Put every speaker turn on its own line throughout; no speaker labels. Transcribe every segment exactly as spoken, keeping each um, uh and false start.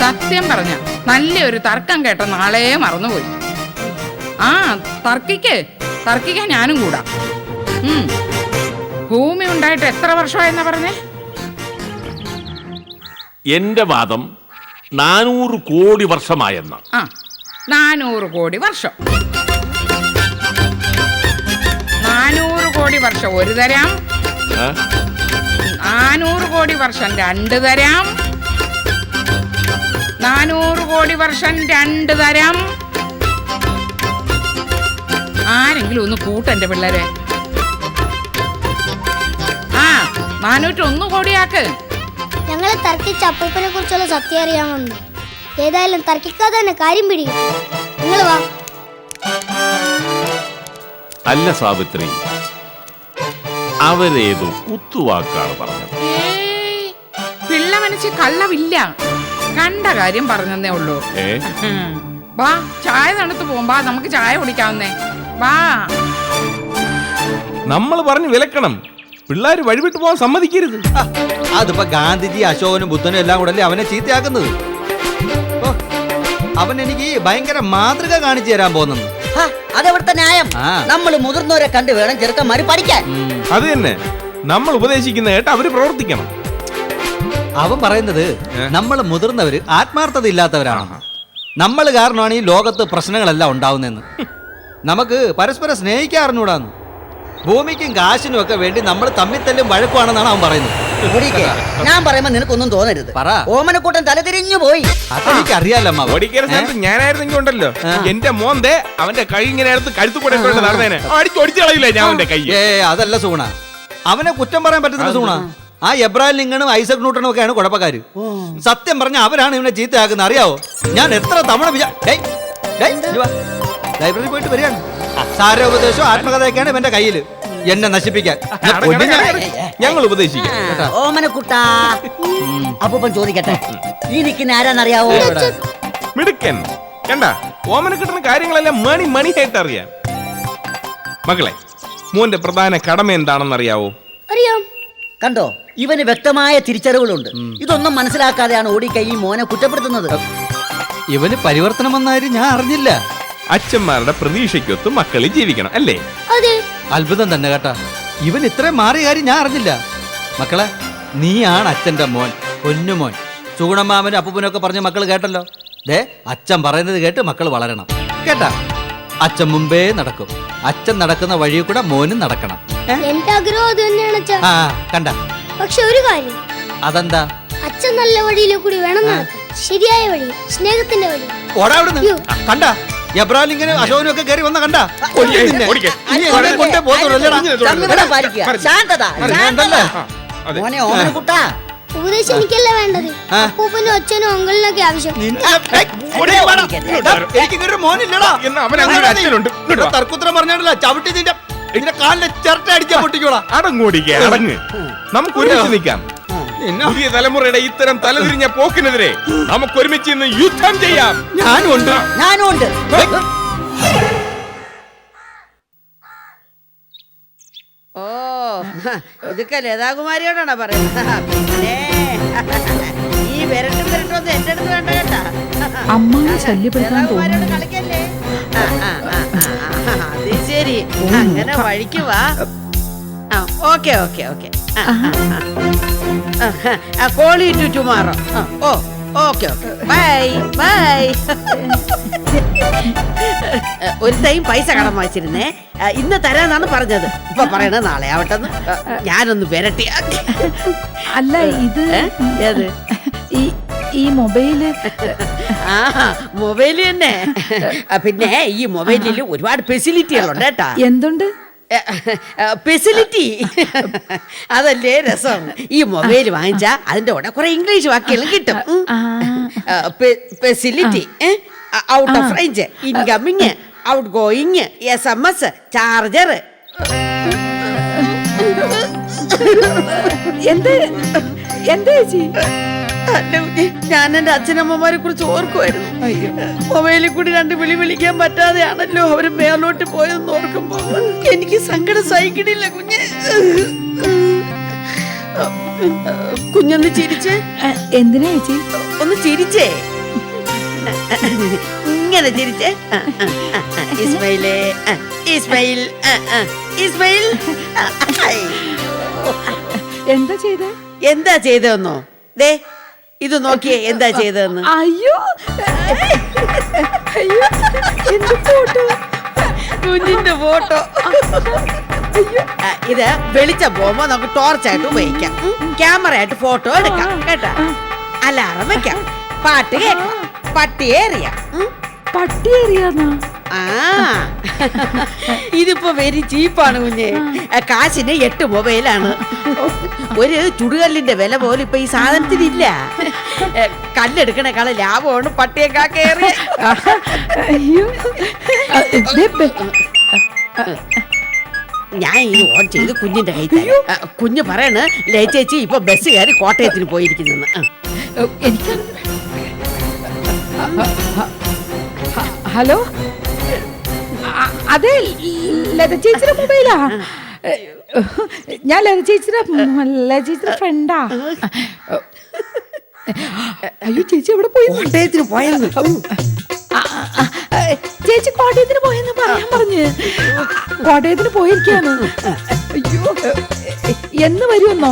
സത്യം പറഞ്ഞ നല്ലൊരു തർക്കം കേട്ട നാളെ മറന്നുപോയി. ആ തർക്കിക്ക് തർക്കിക്കാൻ ഞാനും കൂടാ. ഉം ഭൂമി ഉണ്ടായിട്ട് എത്ര വർഷമായെന്നാ പറഞ്ഞേ?
എന്റെ വാദം നാനൂറ് കോടി വർഷമായെന്ന.
ആ നാനൂറ് കോടി വർഷം. നാനൂറ് കോടി വർഷം ഒരു തരാം, നാനൂറ് കോടി വർഷം രണ്ട് തരാം, നാനൂറ് കോടി വർഷം രണ്ട് തരാം. ആരെങ്കിലും ഒന്ന് കൂട്ടെന്റെ പിള്ളേരെ. ആ നാനൂറ്റൊന്ന് കോടിയാക്ക്.
ഞങ്ങളെ തർക്കിച്ച അപ്പൂപ്പനെ കുറിച്ചുള്ള സത്യം അറിയാൻ വന്നു. ഏതായാലും തർക്കിക്കാതെ തന്നെ കാര്യം പിടിക്കും. നിങ്ങൾ വാ.
അല്ല സാവിത്രി, അവരേതോ കുത്തുവാക്കാണ് പറഞ്ഞത്.
പിള്ള മനസ്സിൽ കള്ളവില്ല, കണ്ട കാര്യം പറഞ്ഞതേ ഉള്ളൂ. വാ ചായ തണുത്ത് പോകുമ്പോ നമുക്ക് ചായ കുടിക്കാവുന്നേ. വാ.
നമ്മൾ പറഞ്ഞു വിലക്കണം, പിള്ളേര് വഴിവിട്ട് പോകാൻ സമ്മതിക്കരുത്.
അതിപ്പോ ഗാന്ധിജി അശോകനും ബുദ്ധനും എല്ലാം കൂടെ അല്ലേ അവനെ ചീത്തയാക്കുന്നത്. അവൻ എനിക്ക് ഭയങ്കര മാതൃക കാണിച്ചു തരാൻ പോകുന്നു.
അതെവിടുത്തെ ന്യായം? നമ്മൾ മുതിർന്നവരെ കണ്ടു വേണം ചെറുക്കന്മാര് പഠിക്കാൻ.
അത് തന്നെ, നമ്മൾ ഉപദേശിക്കുന്ന കേട്ട് അവര് പ്രവർത്തിക്കണം.
അവൻ പറയുന്നത് നമ്മൾ മുതിർന്നവര് ആത്മാർത്ഥത ഇല്ലാത്തവരാണ്. നമ്മൾ കാരണമാണ് ഈ ലോകത്ത് പ്രശ്നങ്ങളെല്ലാം ഉണ്ടാവുന്നതെന്ന്. നമുക്ക് പരസ്പരം സ്നേഹിക്കാറിഞ്ഞൂടാന്ന്. ഭൂമിക്കും കാശിനും ഒക്കെ വേണ്ടി നമ്മൾ തമ്മിൽ തല്ലും വഴക്കുവാണെന്നാണ് അവൻ പറയുന്നത്.
ഞാൻ പറയുമ്പോ നിനക്കൊന്നും തോന്നരുത്.
പറ.
ഓമനക്കൂട്ടൻ തല തിരിഞ്ഞു പോയി.
അതെനിക്ക് അറിയാലമ്മ.
ഞാനായിരുന്നെങ്കിൽ ഉണ്ടല്ലോ, എന്റെ മോന്റെ അവന്റെ കൈ ഇങ്ങനെ എടുത്ത് കഴുത്തു കൂടെ നടന്നേനെ അടിച്ചു ഒടിച്ചു കളയില്ല ഞാൻ അവന്റെ കൈ.
ഏ അതല്ല സൂണ, അവനെ കുറ്റം പറയാൻ പറ്റത്തില്ല സൂണ. ആ എബ്രാഹിം ലിങ്കണും ഐസക് ന്യൂട്ടനും ഒക്കെയാണ് കുഴപ്പക്കാര്. സത്യം പറഞ്ഞ അവരാണ് ഇവനെ ചീത്തയാക്കുന്നത്. അറിയാവോ, ഞാൻ എത്ര തവണ ലൈബ്രറി പോയിട്ട് വരികയാണ്. സാരോപദേശവും ആത്മകഥയൊക്കെയാണ് ഇവന്റെ കയ്യില് എന്നെ നശിപ്പിക്കാൻ.
ഞങ്ങൾ ഉപദേശിക്കാം.
ഓമനക്കുട്ടാ, അപ്പൂപ്പൻ ചോദിക്കട്ടെ, ഈ നിൽക്കുന്ന ആരാന്നറിയാവോ?
മിടുക്കൻ. കണ്ട, ഓമന കിട്ടുന്ന കാര്യങ്ങളെല്ലാം മണി മണിയായിട്ട് അറിയാം. മകളെ, മോന്റെ പ്രധാന കടമ എന്താണെന്നറിയാവോ?
അറിയാം.
കണ്ടോ, ഇവന് വ്യക്തമായ തിരിച്ചറിവുകളുണ്ട്. ഇതൊന്നും മനസ്സിലാക്കാതെയാണ് ഓടിക്കൈ ഈ മോനെ കുറ്റപ്പെടുത്തുന്നത്.
ഇവന് പരിവർത്തനം വന്നാലും ഞാൻ അറിഞ്ഞില്ല.
അച്ഛന്മാരുടെ പ്രതീക്ഷയ്ക്കൊത്ത് മക്കളിൽ ജീവിക്കണം അല്ലേ?
അതെ.
അത്ഭുതം തന്നെ കേട്ടാ, ഇവൻ ഇത്രയും മാറിയ കാര്യം ഞാൻ അറിഞ്ഞില്ല. മക്കളെ, നീയാണ് അച്ഛന്റെ മോൻ, പൊന്നുമോൻ. ചൂണമാമനും അപ്പൂപ്പനൊക്കെ പറഞ്ഞ മക്കൾ കേട്ടല്ലോ. ദേ, അച്ഛൻ പറയുന്നത് കേട്ട് മക്കൾ വളരണം കേട്ടാ. അച്ഛൻ മുമ്പേ നടക്കും. അച്ഛൻ നടക്കുന്ന വഴിയിൽ കൂടെ മോനും നടക്കണം.
എന്റെ ആഗ്രഹം അത് തന്നെയാണ് അച്ഛാ.
ആ കണ്ട.
പക്ഷെ ഒരു കാര്യം.
അതെന്താ?
അച്ഛൻ നല്ല വഴിയിലെ കൂടി വേണം നടക്കാൻ. ശരിയായ വഴി, സ്നേഹത്തിന്റെ വഴി.
ഓടാ അവിടുന്ന്. കണ്ട, എബ്രാഹിം ലിങ്കനും അശോകനും ഒക്കെ കയറി വന്ന കണ്ട.
മോനെ ഓമനക്കുട്ടാ,
ഉപദേശം എനിക്കല്ല വേണ്ടത്, അപ്പൂപ്പനും അച്ഛനും അങ്കിളിനൊക്കെ ആവശ്യം.
തർക്കുത്തരം പറഞ്ഞാണല്ലോ ചവിട്ടി നിന്റെ ഇതിന്റെ കാലിന്റെ ചിരട്ട അടിക്കാൻ പൊട്ടിക്കോളാം.
അടങ്ങോടിക്ക അടങ്ങ്. നമുക്ക് ഒരുമിച്ച് നിൽക്കാം. പുതിയ തലമുറയുടെ ഇത്തരം തലതിരിഞ്ഞ പോക്കിനെതിരെ നമുക്ക് ഒരുമിച്ച് ഇന്ന് യുദ്ധം ചെയ്യാം.
ഞാനും ഉണ്ട്.
ഞാനും ഉണ്ട്.
ഓ, ഇതൊക്കെ ലതാകുമാരിയോടാണോ പറയുന്നത്? പിന്നെ ഈ വിരട്ടും വിരട്ടൊന്നും എന്റെ അടുത്ത് വേണ്ട കേട്ടാ. ലതാകുമാരിയോട് കളിക്കല്ലേ? അത് ശരി, അങ്ങനെ വഴിക്ക് വാ. Okay okay okay call you to tomorrow. Oh okay okay bye bye. ഒരു ടൈം പൈസ കടം വാങ്ങിച്ചിരുന്നേ, ഇന്ന് തരാന്നാണ് പറഞ്ഞത്. ഇപ്പൊ പറയണത് നാളെ ആവട്ടെന്ന്. ഞാനൊന്ന് വരട്ടി.
അല്ല, ഇത്
ഏത്
ഈ മൊബൈല്?
ആ മൊബൈല് തന്നെ. പിന്നെ ഈ മൊബൈലിൽ ഒരുപാട് ഫെസിലിറ്റികളുണ്ട് കേട്ടാ.
എന്തുണ്ട്
ഫെസിലിറ്റി? അതല്ലേ രസം. ഈ മൊബൈൽ വാങ്ങിച്ചാ അതിന്റെ കൂടെ കുറെ ഇംഗ്ലീഷ് വാക്കുകളും കിട്ടും. Facility, out of range, incoming, outgoing, S M S, charger.
എന്ത് എന്താ ചേച്ചി?
ഞാൻ എന്റെ അച്ഛനമ്മമാരെ കുറിച്ച് ഓർക്കുമായിരുന്നു. മൊബൈലിൽ കൂടി രണ്ട് വിളി വിളിക്കാൻ പറ്റാതെയാണല്ലോ അവര് മേലോട്ട് പോയെന്ന് ഓർക്കുമ്പോ എനിക്ക് സങ്കടം സഹിക്കണില്ല. കുഞ്ഞ് കുഞ്ഞൊന്ന് ചിരിച്ചേ.
എന്തിനാ ചേച്ചി?
ഒന്ന് ചിരിച്ചേ. ഇങ്ങനെ ചിരിച്ച് ആ, ആ, ആ, ആ. ഇസ്മയിലേ ആ, ഇസ്മയിൽ ആ, ആ, ഇസ്മയിൽ ആ, ഐ.
എന്താ ചെയ്തേ?
എന്താ ചെയ്തതെന്നോ? ദേ ഇത് നോക്കിയേ എന്താ ചെയ്തതെന്ന്.
അയ്യോ അയ്യോ എന്ത് ഫോട്ടോ?
കുഞ്ഞിന്റെ ഫോട്ടോ. ആ, ഇത് വെളിച്ചം പോകുമ്പോ നമുക്ക് ടോർച്ചായിട്ട് ഉപയോഗിക്കാം. ക്യാമറ ആയിട്ട് ഫോട്ടോ എടുക്കാം കേട്ടാ. അലാറം വെക്കാം, പാട്ട് കേൾക്കാം, പട്ടിയെ എറിയാം. ഉം.
പട്ടി എറിയാന്നോ?
ആ ഇതിപ്പോ വെരി ചീപ്പാണ് കുഞ്ഞെ. കാശിന് എട്ട് മൊബൈലാണ്. ഒരു ചുടുകല്ലിന്റെ വില പോലും ഇപ്പൊ ഈ സാധനത്തിനില്ല. കല്ലെടുക്കണേക്കാളെ ലാഭമാണ് പട്ടിയെ കാക്കേറിയ.
അയ്യോ ദേ, ബെ-
ഞാൻ ഇത് ഓൺ ചെയ്ത് കുഞ്ഞിന്റെ കൈ തരാം. ആ, കുഞ്ഞ് പറയണ് ലേ ചേച്ചി ഇപ്പൊ ബസ് കയറി കോട്ടയത്തിന് പോയിരിക്കുന്നെന്ന്. ആ.
എനിക്ക് ഹലോ അ- അതെ ലത ചേച്ചിയുടെ മൊബൈലാ. ഞാൻ ലത ചേച്ചിയുടെ ലത ചേച്ചിയുടെ ഫ്രണ്ടാ. അയ്യോ ചേച്ചി എവിടെ പോയി?
കോട്ടയത്തിന് പോയെന്ന്.
ആ, ആ, ആ, ചേച്ചി കോട്ടയത്തിന് പോയെന്ന് പറയാൻ പറഞ്ഞ് കോട്ടയത്തിന് പോയിരിക്കാണ്. അയ്യോ എന്ന് വരുമെന്നോ?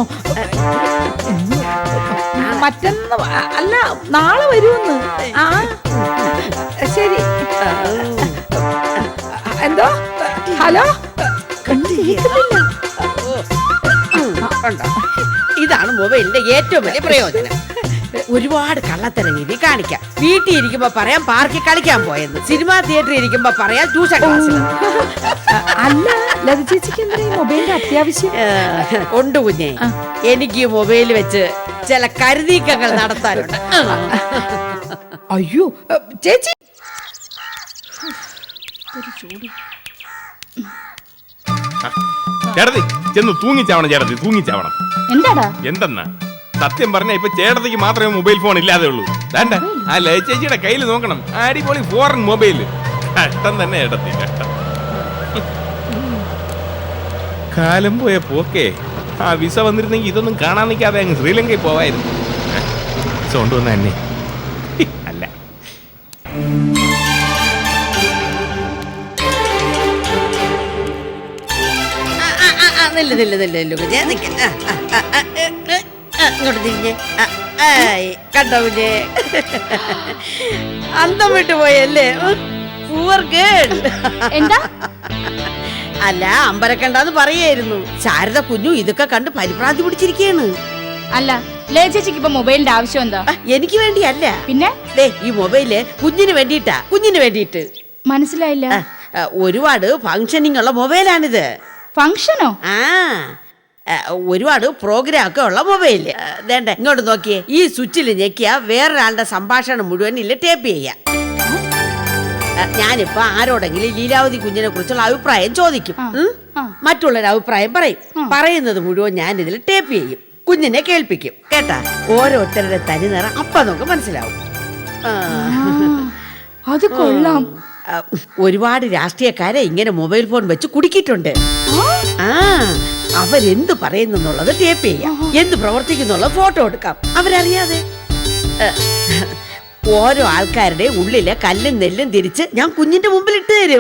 മറ്റന്ന് അല്ല നാളെ വരുമെന്ന്. ആ ശരി. എന്തോ ഹലോ കണ്ടിരിക്കുന്നില്ല.
കണ്ടോ? ഇതാണ് മൊബൈലിന്റെ ഏറ്റവും വലിയ പ്രയോജനം. ഒരുപാട് കള്ളത്തരം രീതി കാണിക്കാം. വീട്ടിൽ ഇരിക്കുമ്പോ പറയാം പാർക്കിൽ കളിക്കാൻ പോയെന്ന്, സിനിമാ തിയേറ്ററിൽ ഇരിക്കുമ്പോ പറയാം ട്യൂഷൻ ക്ലാസ്സിൽ.
അല്ല ലത ചേച്ചിക്ക് എന്താ ഈ മൊബൈലിന്റെ അത്യാവശ്യം?
ഉണ്ട് കുഞ്ഞെ, എനിക്ക് ഈ മൊബൈൽ വെച്ച് ചില കരുതീക്കങ്ങൾ നടത്താനുണ്ട്.
അയ്യോ ചേച്ചി
ചേട്ടത്തി ചെന്ന് തൂങ്ങിച്ചാവണം. ചേട്ടത്തി തൂങ്ങിച്ചാവണം.
എന്താടാ?
എന്തെന്നാ സത്യം പറഞ്ഞ ഇപ്പൊ ചേട്ടത്തിക്ക് മാത്രമേ മൊബൈൽ ഫോൺ ഇല്ലാതെ ഉള്ളൂ. വേണ്ട ആ ലയ ചേച്ചിയുടെ കയ്യിൽ നോക്കണം. അടിപൊളി ഫോറിൻ മൊബൈൽ. കഷ്ടം തന്നെ ചേട്ടത്തി, കഷ്ടം. കാലം പോയ പോക്കേ. ആ വിസ വന്നിരുന്നെങ്കിൽ ഇതൊന്നും കാണാൻ നിൽക്കാതെ അങ്ങ് ശ്രീലങ്കയിൽ പോവായിരുന്നു. വിസ കൊണ്ടുവന്ന എന്നെ അല്ല.
നില്ല നില്ല നില്ല നില്ല കുഞ്ഞെ നിക്ക. ആ, ആ, ആ, ആ, ഏ, ഏ, ആ, ഇങ്ങോട്ട് തിരിഞ്ഞ്. ആ, ആയ്, കണ്ടോ കുഞ്ഞെ? അന്തം വിട്ടു പോയല്ലേ? Poor girl.
എന്താ?
അല്ല അമ്പരക്കണ്ടെന്ന് പറയായിരുന്നു. ശാരദ കുഞ്ഞു ഇതൊക്കെ കണ്ട് പരിഭ്രാന്തി പിടിച്ചിരിക്കുകയാണ്.
അല്ല ലേ ചേച്ചിക്ക് ഇപ്പൊ മൊബൈലിന്റെ ആവശ്യം എന്താ?
ആ, എനിക്ക് വേണ്ടിയല്ല.
പിന്നെ
ദേ ഈ മൊബൈല് കുഞ്ഞിന് വേണ്ടിയിട്ടാ. കുഞ്ഞിന് വേണ്ടിയിട്ട്.
മനസ്സിലായില്ല.
ആ, ആ, ഒരുപാട് ഫങ്ഷനിങ് ഉള്ള മൊബൈലാണിത്.
ഫംഗ്ഷനോ?
ആ ആ, ഒരുപാട് പ്രോഗ്രാം ഒക്കെ ഉള്ള മൊബൈല്. ആ, വേണ്ട ഇങ്ങോട്ട് നോക്കിയേ. ഈ സ്വിച്ചിൽ ഞെക്കിയ വേറൊരാളുടെ സംഭാഷണം മുഴുവൻ ഇല്ല ടേപ്പ് ചെയ്യാം. ആ, ഞാനിപ്പോ ആരോടെങ്കിലും ലീലാവതി കുഞ്ഞിനെ കുറിച്ചുള്ള അഭിപ്രായം ചോദിക്കും. ഉം? മറ്റുള്ളൊരു അഭിപ്രായം പറയും. പറയുന്നത് മുഴുവൻ ഞാൻ ഇതിൽ ടേപ്പ് ചെയ്യും. കുഞ്ഞിനെ കേൾപ്പിക്കും. കേട്ടാ? ഓരോരുത്തരുടെ തനി നിറം അപ്പൊ നമുക്ക് മനസ്സിലാവും. ആ.
അത് കൊള്ളാം.
ആ, ഒരുപാട് രാഷ്ട്രീയക്കാരെ ഇങ്ങനെ മൊബൈൽ ഫോൺ വെച്ച് കുടുക്കിയിട്ടുണ്ട്. ആ അവരെന്ത് പറയുന്നുള്ളത് ടേപ്പ് ചെയ്യാം, എന്ത് പ്രവർത്തിക്കുന്നുള്ള ഫോട്ടോ എടുക്കാം അവരറിയാതെ. ഏ, ഓരോ ആൾക്കാരുടെ ഉള്ളിലെ കല്ലും നെല്ലും തിരിച്ച് ഞാൻ കുഞ്ഞിന്റെ മുമ്പിൽ ഇട്ട് തരും.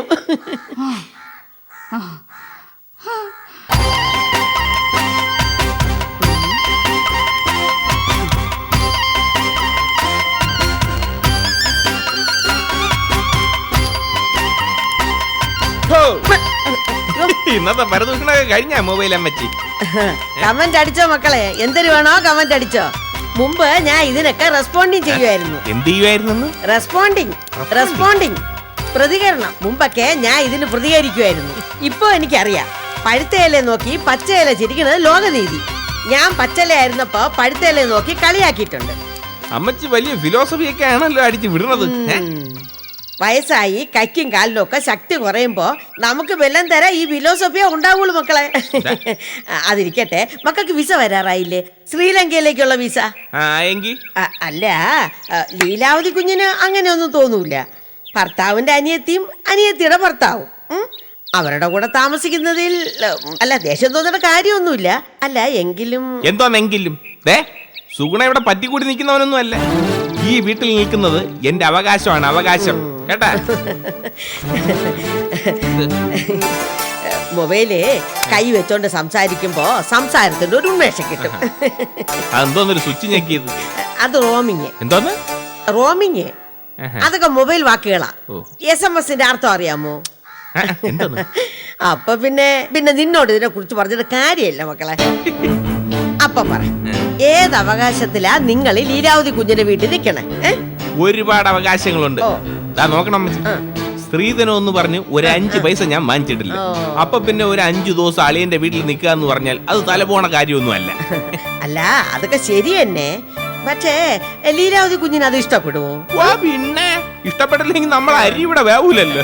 ഇന്നത്തെ പരദൂഷണൊക്കെ കഴിഞ്ഞ മൊബൈൽ അമ്മച്ചി.
കമന്റ് അടിച്ചോ മക്കളെ? എന്തൊരു വേണോ കമന്റ് അടിച്ചോ. മുമ്പ് ഞാൻ ഇതിനൊക്കെ റെസ്പോണ്ടിങ് ചെയ്യുമായിരുന്നു.
എന്ത് ചെയ്യുമായിരുന്നു?
റെസ്പോണ്ടിങ് റെസ്പോണ്ടിങ് പ്രതികരണം. മുമ്പൊക്കെ ഞാൻ ഇതിന് പ്രതികരിക്കുമായിരുന്നു. ഇപ്പൊ എനിക്കറിയാം, പഴുത്തയില നോക്കി പച്ചയില ചിരിക്കുന്നത് ലോകനീതി. ഞാൻ പച്ചയിലായിരുന്നപ്പോ പഴുത്തയില നോക്കി കളിയാക്കിയിട്ടുണ്ട്.
അമ്മച്ചി വലിയ ഫിലോസഫി ഒക്കെ ആണല്ലോ അടിച്ചു വിടുന്നത്.
വയസ്സായി കൈക്കും കാലിലും ഒക്കെ ശക്തി കുറയുമ്പോ നമുക്ക് വെല്ലം തരാൻ ഈ ഫിലോസഫിയെ ഉണ്ടാവുള്ളൂ മക്കളെ. അതിരിക്കട്ടെ, മക്കൾക്ക് വിസ വരാറായില്ലേ? ശ്രീലങ്കയിലേക്കുള്ള വിസ. അ- അല്ല ആ, ലീലാവതി കുഞ്ഞിന് അങ്ങനെയൊന്നും തോന്നൂല. ഭർത്താവിന്റെ അനിയത്തിയും അനിയത്തിയുടെ ഭർത്താവും ഉം, അവരുടെ കൂടെ താമസിക്കുന്നതിൽ ഉം, അല്ല ദേഷ്യം തോന്നേണ്ട കാര്യമൊന്നുമില്ല. അല്ല എങ്കിലും
എന്തോന്നെങ്കിലും സുഗുണ ഇവിടെ പറ്റിക്കൂടി നിൽക്കുന്നവനൊന്നും അല്ല. ഈ വീട്ടിൽ നിൽക്കുന്നത് എന്റെ അവകാശമാണ്, അവകാശം കേട്ടാ.
മൊബൈല് കൈ വെച്ചോണ്ട് സംസാരിക്കുമ്പോ സംസാരത്തിന്റെ ഒരു ഉന്മേഷം കിട്ടും.
അതെന്തോന്നൊരു സ്വിച്ച് ഞെക്കിയത്?
അത് റോമിങ്.
എന്തോന്ന്
റോമിങ്? അതൊക്കെ മൊബൈൽ വാക്കുകളാ.
ഓ.
എസ് എം എസിന്റെ അർത്ഥം അറിയാമോ?
എന്തോന്ന്?
അപ്പൊ പിന്നെ പിന്നെ നിന്നോട് ഇതിനെ കുറിച്ച് പറഞ്ഞിട്ട് കാര്യമില്ല മക്കളെ. അപ്പൊ പറ, ഏത് അവകാശത്തിലാ നിങ്ങൾ ഈ ലീലാവതി കുഞ്ഞിന്റെ വീട്ടിൽ നിൽക്കണേ?
ഒരുപാട് അവകാശങ്ങളുണ്ട്.
ഓ.
ദാ നോക്കണം അമ്മച്ചി. സ്ത്രീധനം എന്ന് പറഞ്ഞ് ഒരു അഞ്ച് പൈസ ഞാൻ വാങ്ങിച്ചിട്ടില്ല. അപ്പൊ പിന്നെ ഒരു അഞ്ചു ദിവസം അളിയന്റെ വീട്ടിൽ നിൽക്കുക എന്ന് പറഞ്ഞാൽ അത് തലപോണ കാര്യമൊന്നും അല്ല.
അല്ല, അതൊക്കെ ശരി തന്നെ. പക്ഷേ ലീലാവതി കുഞ്ഞിന് അത് ഇഷ്ടപ്പെടുവോ?
പിന്നെ ഇഷ്ടപ്പെട്ടില്ലെങ്കിൽ നമ്മൾ അരി ഇവിടെ വേവൂലല്ലോ.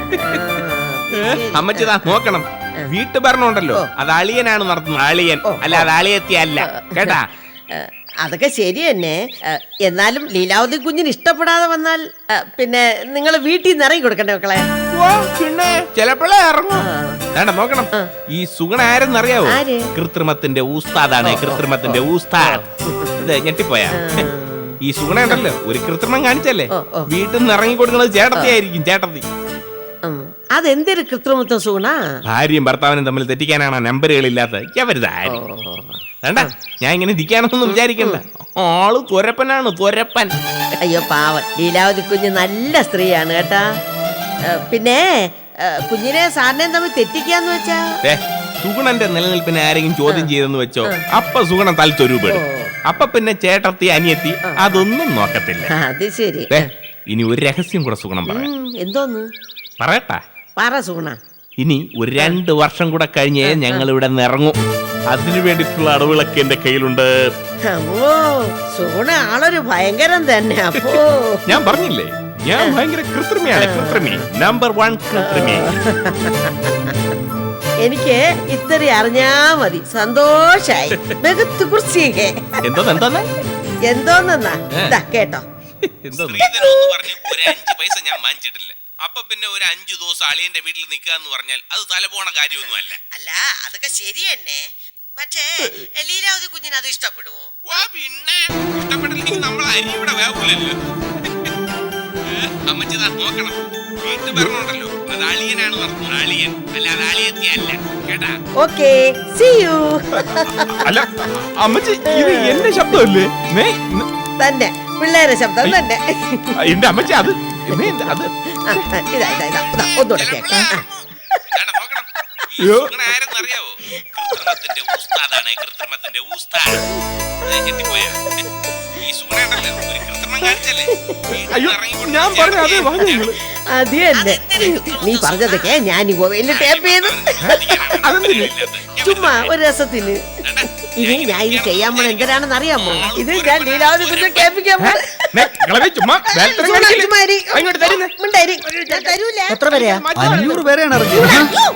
അമ്മച്ചിതാ നോക്കണം, വീട്ടു ഭരണമുണ്ടല്ലോ അത് അളിയനാണ് നടത്തുന്നത്. അളിയൻ അല്ല, അത് അളിയത്തിയല്ല കേട്ടാ.
അതൊക്കെ ശരി തന്നെ. എന്നാലും ലീലാവതി കുഞ്ഞിന് ഇഷ്ടപ്പെടാതെ വന്നാൽ പിന്നെ നിങ്ങൾ വീട്ടിൽ നിന്ന് ഇറങ്ങി കൊടുക്കണ്ടേ മക്കളെ?
പിന്നെ ചിലപ്പോഴേ ഇറങ്ങും. വേണ്ട നോക്കണം, ഈ സുഗുണ ആരെന്നറിയാവോ?
ആര്?
കൃത്രിമത്തിന്റെ ഊസ്താദാണ്, കൃത്രിമത്തിന്റെ ഊസ്താദ്. ഇത് ഞെട്ടിപ്പോയാ? ഈ സുഗുണ ഉണ്ടല്ലോ ഒരു കൃത്രിമം കാണിച്ചല്ലേ വീട്ടിൽ നിന്ന് ഇറങ്ങി കൊടുക്കുന്നത് ചേട്ടത്തി ആയിരിക്കും. ചേട്ടത്തി
അതെന്തൊരു കൃത്രിമത്വം സുഗുണ?
ഭാര്യയും ഭർത്താവിനും തമ്മിൽ തെറ്റിക്കാനാണ് നമ്പറുകളില്ലാത്ത എവരുതാരി. വേണ്ട ഞാൻ ഇങ്ങനെ ഇരിക്കാനൊന്നും വിചാരിക്കണ്ട. ആള് തൊരപ്പനാണ്, തൊരപ്പൻ.
അയ്യോ പാവൻ, ലീലാവതി കുഞ്ഞ് നല്ല സ്ത്രീയാണ് കേട്ടാ. പിന്നെ കുഞ്ഞിനെ സാറിനെയും തമ്മിൽ തെറ്റിക്കാന്ന് വെച്ചാ
സുഗുണന്റെ നിലനിൽപ്പിനെ ആരെങ്കിലും ചോദ്യം ചെയ്തെന്ന് വെച്ചോ, അപ്പൊ സുഗുണൻ തലത്തൊരുപെടും. അപ്പൊ പിന്നെ ചേട്ടത്തി അനിയത്തി അതൊന്നും നോക്കത്തില്ല.
അത് ശരി.
ഇനി ഒരു രഹസ്യം കൂടെ സുഗുണം പറയാം.
എന്തോന്ന്
പറയട്ടാ?
പറ സുഗുണ.
ഇനി ഒരു രണ്ട് വർഷം കൂടെ കഴിഞ്ഞേ ഞങ്ങൾ ഇവിടെ നിന്ന് ഇറങ്ങും. അതിനു വേണ്ടിയിട്ടുള്ള അടവുകളൊക്കെ എന്റെ കയ്യിലുണ്ട്.
ഓ സുഗുണ ആളൊരു ഭയങ്കരം തന്നെ. അപ്പോ
ഞാൻ പറഞ്ഞില്ലേ ഞാൻ ഭയങ്കര കൃത്രിമയാണ്, കൃത്രിമി നമ്പർ വൺ കൃത്രിമി. എനിക്ക്
ഇത്ര അറിഞ്ഞാ മതി, സന്തോഷായി. ബഹുത്ത് കുർസിയെ.
എന്തോന്ന് എന്തോന്ന്
എന്തോന്നാ ഇതാ കേട്ടോ.
ഒരു അഞ്ച് പൈസ ഞാൻ വാങ്ങിച്ചിട്ടില്ല. അപ്പൊ പിന്നെ ഒരു അഞ്ചു ദിവസം അളിയന്റെ വീട്ടിൽ നിൽക്കുക എന്ന് പറഞ്ഞാൽ അത് തലപോണ കാര്യമൊന്നും അല്ല.
അല്ല അതൊക്കെ ശരി തന്നെ. പക്ഷേ ലീലാവതി കുഞ്ഞിന് അത് ഇഷ്ടപ്പെടുവോ?
പിന്നെ ഇഷ്ടപ്പെട്ടില്ലെങ്കിൽ നമ്മൾ അരി ഇവിടെ വേവൂലല്ലോ. അമ്മച്ചിതാ നോക്കണം, വീട്ടു ഭരണമുണ്ടല്ലോ അത് അളിയനാണ് നടത്തുന്നത്. അളിയൻ അല്ല, അത് അളിയത്തിയല്ല കേട്ടാ.
Okay, see you.
അല്ല അമ്മച്ചി, ഇത് എന്റെ ശബ്ദമല്ലേ?
തന്നെ പിള്ളേരെ ശബ്ദം തന്നെ.
എന്റെ അമ്മച്ചി അത് അത്
ഇതാ ഇതാ ഇതാ ഇതാ ഒന്നുകൂടെ കേൾക്കാം.
ആരെന്നറിയാവോ? കൃത്രിമത്തിന്റെ ഊസ്താദാണ്, കൃത്രിമത്തിന്റെ ഊസ്താദ്. ഞെട്ടിപ്പോയാ? ഈ സുഗുണ ഉണ്ടല്ലോ ഒരു കൃത്രിമം കാണിച്ചല്ലേ. ഞാൻ പറഞ്ഞ അതേ
അത് തന്നെ. നീ പറഞ്ഞതൊക്കെ ഞാൻ ഈ മൊബൈലിൽ ടേപ്പ് ചെയ്തു. ചുമ്മാ ഒരു രസത്തിന്. ഇനി ഞാൻ ഇത് ചെയ്യാൻ പോണ എന്തിനാണെന്ന് അറിയാമോ? ഇത് ഞാൻ ലീലാവതി കുഞ്ഞിനെ കേൾപ്പിക്കാൻ പോണ.
എത്ര പേരെയാ?
അഞ്ഞൂറ് പേരെയാണ് ഇറങ്ങിയത്.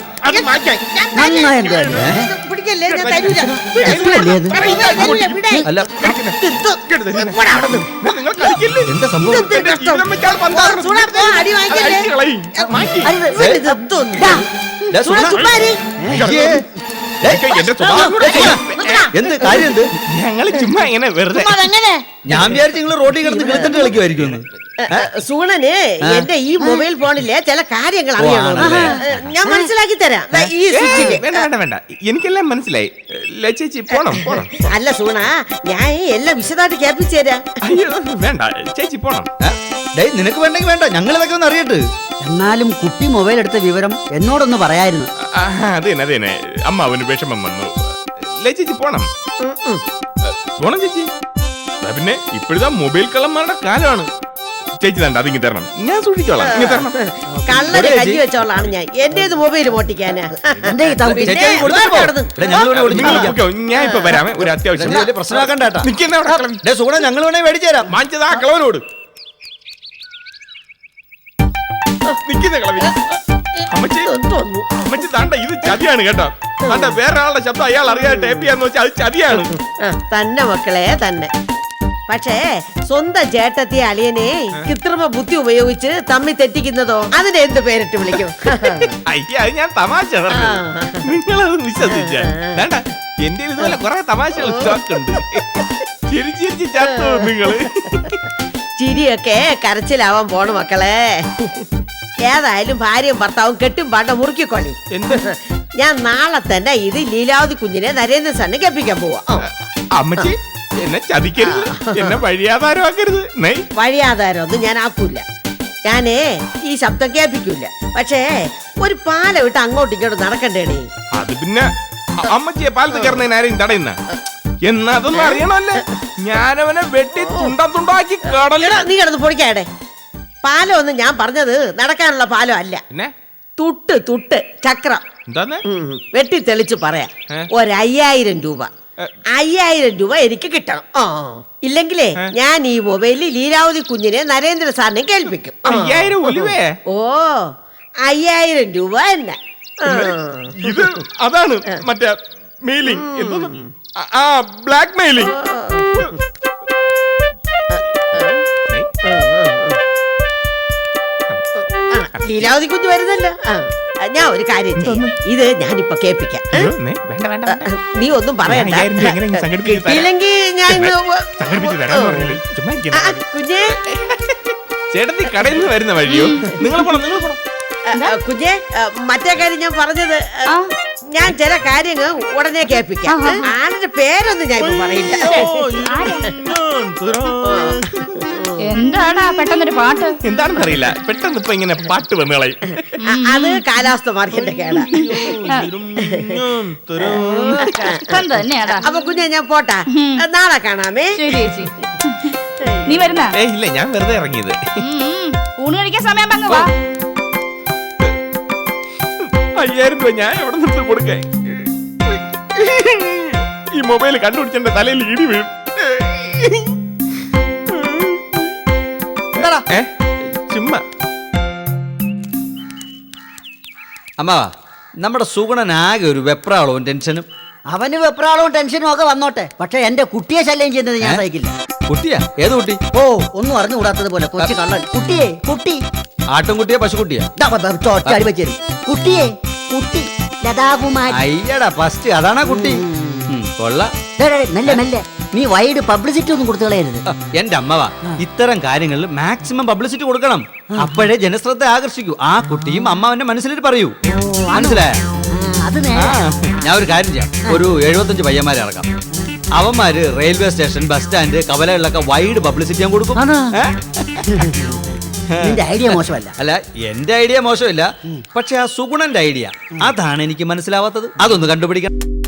പിടിക്കല്ലേ, ഞാൻ തരൂല.
അല്ല എന്താ സംഭവം?
അടി വാങ്ങിക്കല്ലേ.
ദേ, സുഗുണ. അയ്യേ. ദേ, എന്ത് കാര്യം? എന്ത്?
ഞങ്ങള് ചുമ്മാ ഇങ്ങനെ വെറുതെ.
ഞാൻ വിചാരിച്ചു നിങ്ങൾ റോഡിൽ കിടന്ന് കിളിത്തട്ട് കളിക്കുമായിരിക്കും.
സുഗുണന് എന്റെ ഈ മൊബൈൽ ഫോണിലെ ചില കാര്യങ്ങൾ അറിയണം. ഞാൻ മനസ്സിലാക്കി തരാം. ദാ ഈ സ്വിച്ചില്.
വേണ്ട വേണ്ട വേണ്ട, എനിക്കെല്ലാം മനസ്സിലായി. ചേച്ചി പോണം പോണം.
അല്ല സുഗുണ, ഞാൻ എല്ലാം വിശദമായിട്ട് കേൾപ്പിച്ചു തരാം.
അയ്യോ വേണ്ട ചേച്ചി പോണം.
ഡേയ്, നിനക്ക് വേണ്ടെങ്കിൽ വേണ്ട, ഞങ്ങൾ ഇതൊക്കെ ഒന്ന് അറിയട്ടെ.
എന്നാലും കുട്ടി മൊബൈൽ എടുത്ത വിവരം എന്നോടൊന്ന് പറയായിരുന്നു.
അതെ അതെ അമ്മ അവന് വിഷമം വന്നു. ചേച്ചി പോണം പോണം ചേച്ചി. പിന്നെ ഇപ്പോഴത്തെ മൊബൈൽ കള്ളന്മാരുടെ കാലമാണ്. ചേച്ചി തണ്ട അതിങ്ങി തരണം, ഞാൻ സൂക്ഷിച്ചോളാം.
കള്ളനെ കഞ്ഞി വെച്ചോളാണ് ഞാൻ. എന്റെ മൊബൈൽ പൊട്ടിക്കാനാ.
ഞാൻ ഇപ്പൊ വരാമേ, ഒരു അത്യാവശ്യം.
പ്രശ്നമാക്കണ്ട.
നിൽക്കുന്ന
സുഗുണ, ഞങ്ങൾ വേണേ മേടിച്ചു തരാം.
വാങ്ങിച്ചതാ കളവനോട്. നിൽക്കുന്ന കളവി അമ്മച്ചി അമ്മച്ചി താണ്ട, ഇത് ചതിയാണ് കേട്ടോ. താണ്ട വേറെ ആളുടെ ശബ്ദം അയാൾ അറിയാതെ ടേപ്പ് ചെയ്യാന്ന് വെച്ചാൽ അത് ചതിയാണ്.
തന്നെ മക്കളെ തന്നെ. പക്ഷേ സ്വന്തം ചേട്ടത്തി അളിയനെ കൃത്രിമ ബുദ്ധി ഉപയോഗിച്ച് തമ്മി തെറ്റിക്കുന്നതോ അതിനെ എന്ത് പേരിട്ട് വിളിക്കും?
അയ്യ, അത് ഞാൻ തമാശ പറഞ്ഞു, നിങ്ങളത് വിശ്വസിച്ച വേണ്ട. എന്റെ ഇതുപോലെ കുറെ തമാശകൾ സ്റ്റോക്ക് ഉണ്ട്. ചിരിച്ചിരിച്ച് ചത്തു നിങ്ങള്.
ചിരിയൊക്കെ കരച്ചിലാവാൻ പോണു മക്കളെ. ഏതായാലും ഭാര്യയും ഭർത്താവും കെട്ടും പാണ്ട മുറുക്കിക്കൊള്ളി.
എന്ത്?
ഞാൻ നാളെ തന്നെ ഇത് ലീലാവതി കുഞ്ഞിനെ നരേന്ദ്ര സാറിനെ കേൾപ്പിക്കാൻ പോവാ. ആ.
അമ്മച്ചി എന്നെ ചതിക്കരുത്, എന്നെ വഴിയാധാരമാക്കരുത്. നെയ്
വഴിയാധാരം ഒന്നും ഞാൻ ആക്കൂല. ഞാനേ ഈ ശബ്ദം കേൾപ്പിക്കൂല. പക്ഷേ ഒരു പാല വിട്ട് അങ്ങോട്ടും ഇങ്ങോട്ടും നടക്കണ്ടേണേ.
അത് പിന്നെ അ- അമ്മച്ചിയെ പാലത്ത് കയറുന്നതിന് ആരെയും തടയുന്ന എന്നാ അതൊന്നും അറിയണമല്ലേ. ഞാനവനെ വെട്ടി തുണ്ടം തുണ്ടാക്കി കടലിൽ.
എടാ, നീ കിടന്ന് പൊടിക്കാടെ. പാലം ഒന്നും ഞാൻ പറഞ്ഞത് നടക്കാനുള്ള പാലം അല്ല.
പിന്നെ
തുട്ട് തുട്ട് ചക്രം.
എന്താന്ന്?
ഉം, വെട്ടി തെളിച്ച് പറയാം.
ഏ?
ഒരു അയ്യായിരം രൂപ അയ്യായിരം രൂപ എനിക്ക് കിട്ടണം. ആ ഇല്ലെങ്കിലേ ഞാൻ ഈ മൊബൈലിൽ ലീലാവതി കുഞ്ഞിനെ നരേന്ദ്ര സാറിനെ കേൾപ്പിക്കും. ആ.
അയ്യായിരം ഒലിവേ.
ഓ അയ്യായിരം രൂപ തന്നെ. ആ.
ഇത് അതാണ് മറ്റേ മെയിലിംഗ്. എന്തോന്ന്? ആ- ആ ബ്ലാക്ക് മെയിലിംഗ്.
ആ, ലീലാവതി കുഞ്ഞ് വരുന്നല്ലോ. ആ, ഞാൻ ഒരു കാര്യം ചെയ്യാം. ഇത് ഞാനിപ്പോ കേൾപ്പിക്കാം. ഏ?
വേണ്ട വേണ്ട വേണ്ട.
നീ ഒന്നും പറയണ്ട.
അയ്യായിരം രൂപ എങ്ങനെയെങ്കിലും സംഘടിപ്പിച്ച് തരാം.
ഇല്ലെങ്കിൽ ഞാൻ ഇന്ന് വ-
സംഘടിപ്പിച്ച് തരാന്ന് പറഞ്ഞില്ലേ? ചുമ്മാ ഇരിക്ക്.
ആ, കുഞ്ഞേ
ചേട്ടത്തി കടയിൽ നിന്ന് വരുന്ന വഴിയോ? നിങ്ങൾ പോണം, നിങ്ങൾ പോണം.
ആ, ആ, കുഞ്ഞേ ആ, മറ്റേ കാര്യം ഞാൻ പറഞ്ഞത് ആ, ഞാൻ ചില കാര്യങ്ങൾ ഉടനെ കേൾപ്പിക്കാം. ആരുടെ പേരൊന്നും ഞാൻ ഇപ്പൊ പറയില്ല.
എന്താടാ പെട്ടെന്നൊരു പാട്ട്?
എന്താണെന്ന് അറിയില്ല, പെട്ടെന്ന് ഇപ്പൊ ഇങ്ങനെ പാട്ട് വന്നുകളയും.
ആ, അത് കാലാവസ്ഥ മാർക്കിന്റെ കേടാ.
ഇപ്പം തന്നെയാടാ.
അപ്പൊ കുഞ്ഞെ ഞാൻ പോട്ടാ. നാളെ കാണാമേ.
ശരി ചേച്ചി. നീ വരുന്ന
ഏ ഇല്ല, ഞാൻ വെറുതെ ഇറങ്ങിയത്.
ഊണ് കഴിക്കാൻ സമയം അങ്ങ് വാ.
അയ്യായിരം രൂപ ഞാൻ എവിടെ നിന്ന് കൊടുക്കാൻ? ഈ മൊബൈൽ കണ്ടുപിടിച്ചെന്റെ തലയിൽ ഇടി വീഴും. ഏ? ചുമ്മാ
അമ്മാവാ, നമ്മുടെ സുഗുണനാകെ ഒരു വെപ്രാളവും ടെൻഷനും.
അവന് വെപ്രാളവും ടെൻഷനും ഒക്കെ വന്നോട്ടെ, പക്ഷെ എന്റെ കുട്ടിയെ ശല്യം ചെയ്യുന്നത് ഞാൻ സഹിക്കില്ല.
കുട്ടിയാ? ഏത് കുട്ടി?
ഓ ഒന്നും അറിഞ്ഞുകൂടാത്തത് പോലെ കൊച്ചു കള്ളൻ. കുട്ടിയെ കുട്ടി
ആട്ടുംകുട്ടിയാ പശുക്കുട്ടിയാ?
ദാ, ബ, ബ, ചോറ്റാടി വെച്ചേര്. കുട്ടിയെ കുട്ടി ലതാകുമാരി.
അയ്യടാ ഫസ്റ്റ് അതാണാ കുട്ടി. ഉം, കൊള്ളാം.
ദേ, ദേ, മെല്ലെ മെല്ലെ, നീ വൈഡ് പബ്ലിസിറ്റി ഒന്നും കൊടുത്തു കളയരുത്.
ആ, എന്റെ അമ്മവാ, ഇത്തരം കാര്യങ്ങളിൽ മാക്സിമം പബ്ലിസിറ്റി കൊടുക്കണം. അപ്പോഴേ ജനശ്രദ്ധ ആകർഷിക്കൂ. ആ കുട്ടിയും അമ്മാവന്റെ മനസ്സിലിട്ട് പറയൂ. മനസ്സിലായ?
ആ, അത്
ആ,
നേരെ.
ഞാൻ ഒരു കാര്യം ചെയ്യാം. ഒരു എഴുപത്തഞ്ച് പയ്യന്മാരെ ഇറക്കാം. അവന്മാര് റെയിൽവേ സ്റ്റേഷൻ, ബസ് സ്റ്റാൻഡ്, കവലകളിലൊക്കെ വൈഡ് പബ്ലിസിറ്റി ഞാൻ കൊടുക്കും.
ആണോ?
ഏ?
നിന്റെ ഐഡിയ മോശമല്ല.
അല്ല, എന്റെ ഐഡിയ മോശമില്ല, പക്ഷെ ആ സുഗുണന്റെ ഐഡിയ അതാണ് എനിക്ക് മനസ്സിലാവാത്തത്. അതൊന്ന് കണ്ടുപിടിക്കണം.